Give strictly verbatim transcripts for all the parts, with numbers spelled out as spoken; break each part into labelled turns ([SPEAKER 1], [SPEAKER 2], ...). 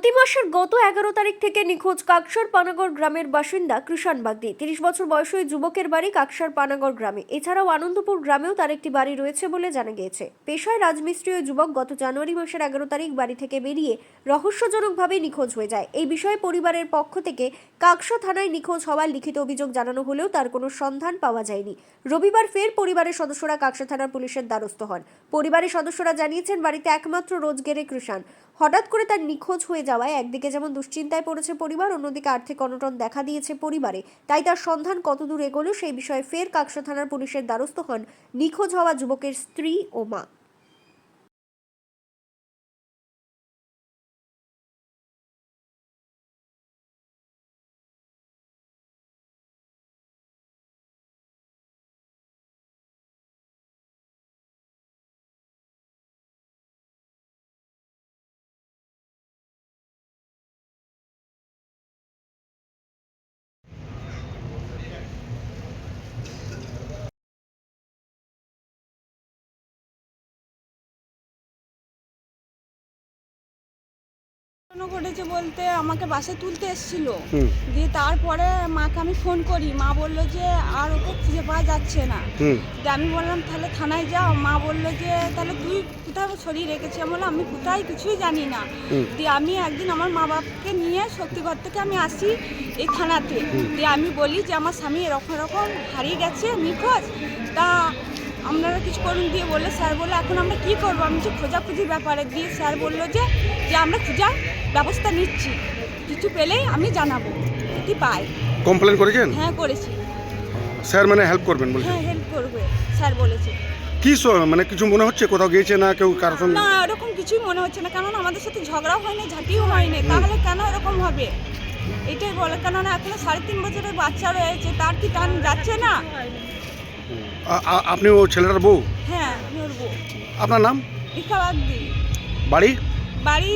[SPEAKER 1] চলতি মাসের গত এগারো তারিখ থেকে নিখোঁজ কাকসার পানাগড় গ্রামের বাসিন্দা কৃষাণ বাগদি। তিরিশ বছর বয়সী ওই যুবকের বাড়ি কাকসার পানাগড় গ্রামে। এছাড়াও আনন্দপুর গ্রামেও তার একটি বাড়ি রয়েছে বলে জানা গিয়েছে। পেশায় রাজমিস্ত্রি ওই যুবক গত জানুয়ারি মাসের এগারো তারিখ বাড়ি থেকে বেরিয়ে রহস্যজনকভাবে নিখোঁজ হয়ে যায়। এই বিষয়ে পরিবারের পক্ষ থেকে কাকসা থানায় নিখোঁজ হওয়ার লিখিত অভিযোগ জানানো হলেও তার কোনো সন্ধান পাওয়া যায়নি। রবিবার ফের পরিবারের সদস্যরা কাকসা থানার পুলিশের দ্বারস্থ হন। পরিবারের সদস্যরা জানিয়েছেন, বাড়িতে একমাত্র রোজগেরে কৃষাণ। হঠাৎ করে তার নিখোঁজ হয়ে যাওয়ায় একদিকে যেমন দুশ্চিন্তায় পড়েছে পরিবার, অন্যদিকে আর্থিক অনটন দেখা দিয়েছে পরিবারে। তাই তার সন্ধান কতদূর এগোলো সেই বিষয়ে ফের কাকসা থানার পুলিশের দ্বারস্থ হন নিখোঁজ হওয়া যুবকের স্ত্রী ও মা।
[SPEAKER 2] ঘটেছে বলতে আমাকে বাসে তুলতে এসেছিল, দিয়ে তারপরে মাকে আমি ফোন করি, মা বললো যে আর ওকে খুঁজে পাওয়া যাচ্ছে না। দিয়ে আমি বললাম তাহলে থানায় যাও। মা বললো যে তাহলে তুই কোথায় সরিয়ে রেখেছি। আমি বললাম আমি কোথায় কিছুই জানি না। দিয়ে আমি একদিন আমার মা বাবাকে নিয়ে শক্তিগড় থেকে আমি আসি এই থানাতে। দিয়ে আমি বলি যে আমার স্বামী এরকম এরকম হারিয়ে গেছে, নিখোঁজ, তা আপনারা কিছু করুন। দিয়ে বললে স্যার বললো এখন আমরা কী করবো। আমি যে খোঁজাখুঁজির ব্যাপারে দিয়ে স্যার বললো যে যে আমরা খোঁজার ব্যবস্থা নিচ্ছি, কিছু পেলেই আমি জানাবো কি পাই।
[SPEAKER 3] কমপ্লেন করেছেন?
[SPEAKER 2] হ্যাঁ করেছি।
[SPEAKER 3] স্যার মানে হেল্প করবেন বলছেন?
[SPEAKER 2] হ্যাঁ হেল্প করবে স্যার বলেছে।
[SPEAKER 3] কি স- মানে কিছু মনে হচ্ছে কোথাও গিয়েছে না কেউ কারোর সঙ্গে?
[SPEAKER 2] না এরকম কিছুই মনে হচ্ছে না, কারণ আমাদের সাথে ঝগড়াও হয়নি, ঝাঁটিও হয়নি, তাহলে কেন এরকম হবে এটাই বলে। কেননা এখনো সাড়ে তিন বছরের বাচ্চা রয়েছে, তার কি টান যাচ্ছে না?
[SPEAKER 3] আ- আ- আপনি ও ছেলেটার বউ?
[SPEAKER 2] হ্যাঁ আমি ওর বউ।
[SPEAKER 3] আপনার নাম?
[SPEAKER 2] রিকা বাগদি।
[SPEAKER 3] বাড়ি?
[SPEAKER 2] বাড়ি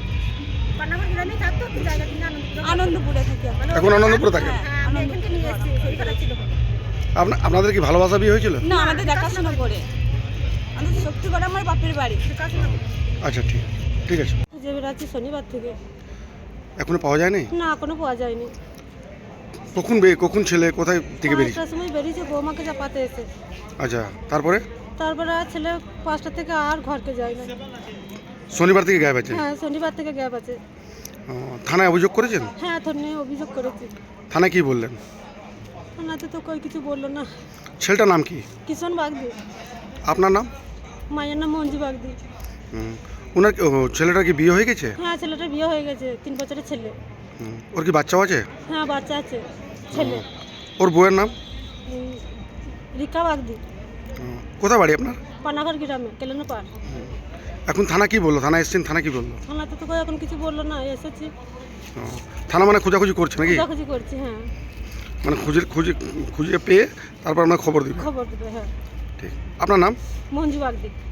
[SPEAKER 2] আনন্দপুরে থাকি।
[SPEAKER 3] এখন আনন্দপুরে থাকেন?
[SPEAKER 2] হ্যাঁ, আনন্দপুরে।
[SPEAKER 3] আপনা আপনাদের কি ভালোবাসা বিয়ে হয়েছিল?
[SPEAKER 2] না আমাদের দেখাশোনা করে, আমাদের শক্তিগড় আমার বাপের বাড়ি।
[SPEAKER 3] আচ্ছা ঠিক ঠিক আছে।
[SPEAKER 4] খুঁজে বেড়াচ্ছি শনিবার থেকে,
[SPEAKER 3] এখনো পাওয়া যায়নি?
[SPEAKER 4] না এখনো পাওয়া যায়নি।
[SPEAKER 3] কখন বে কখন ছেলে কোথায় থেকে বেরিয়েছে?
[SPEAKER 4] পাঁচটার সময় বেরিয়েছে বৌমাকে চাপাতে এসে।
[SPEAKER 3] আচ্ছা তারপরে?
[SPEAKER 4] তারপরে আর ছেলে পাঁচটা থেকে আর ঘরকে যায় না।
[SPEAKER 3] শনিবার থেকে গায়েব আছে?
[SPEAKER 4] হ্যাঁ শনিবার থেকে গ্যাপ আছে।
[SPEAKER 3] ও, থানায় অভিযোগ করেছেন?
[SPEAKER 4] হ্যাঁ থানায় অভিযোগ করেছি।
[SPEAKER 3] থানায় কি বললেন?
[SPEAKER 4] থানাতে তো কই কিছু বললো না।
[SPEAKER 3] ছেলেটার নাম কি?
[SPEAKER 4] কিষণ বাগদি।
[SPEAKER 3] আপনার নাম?
[SPEAKER 4] মায়ের নাম মঞ্জু বাগদি।
[SPEAKER 3] হুম। ওনার কি- ও, ছেলেটার কি বিয়ে হয়ে গেছে?
[SPEAKER 4] হ্যাঁ ছেলেটার বিয়ে হয়ে গেছে, তিন বছরের ছেলে।
[SPEAKER 3] হুম। ওর কি বাচ্চাও আছে?
[SPEAKER 4] হ্যাঁ বাচ্চা আছে ছেলে।
[SPEAKER 3] ওর বউয়ের নাম?
[SPEAKER 4] উম, রিকা বাগদি।
[SPEAKER 3] হুম। কোথায় বাড়ি আপনার?
[SPEAKER 4] পানাগড় গ্রামে কেলেনো পার।
[SPEAKER 3] এখন থানা কি বললো? থানা এসছেন, থানা কি বললো?
[SPEAKER 4] থানাতে তো কই এখন কিছু বললো না, এসেছি
[SPEAKER 3] ও, থানা মানে খোঁজাখুঁজি করছে নাকি?
[SPEAKER 4] খোঁজাখুঁজি করছি। হ্যাঁ
[SPEAKER 3] মানে খুঁজে খুঁজে খুঁজে পেয়ে তারপর আমরা খবর দিবেন?
[SPEAKER 4] খবর দেবে। হ্যাঁ
[SPEAKER 3] ঠিক। আপনার নাম?
[SPEAKER 4] মঞ্জু বাগদি।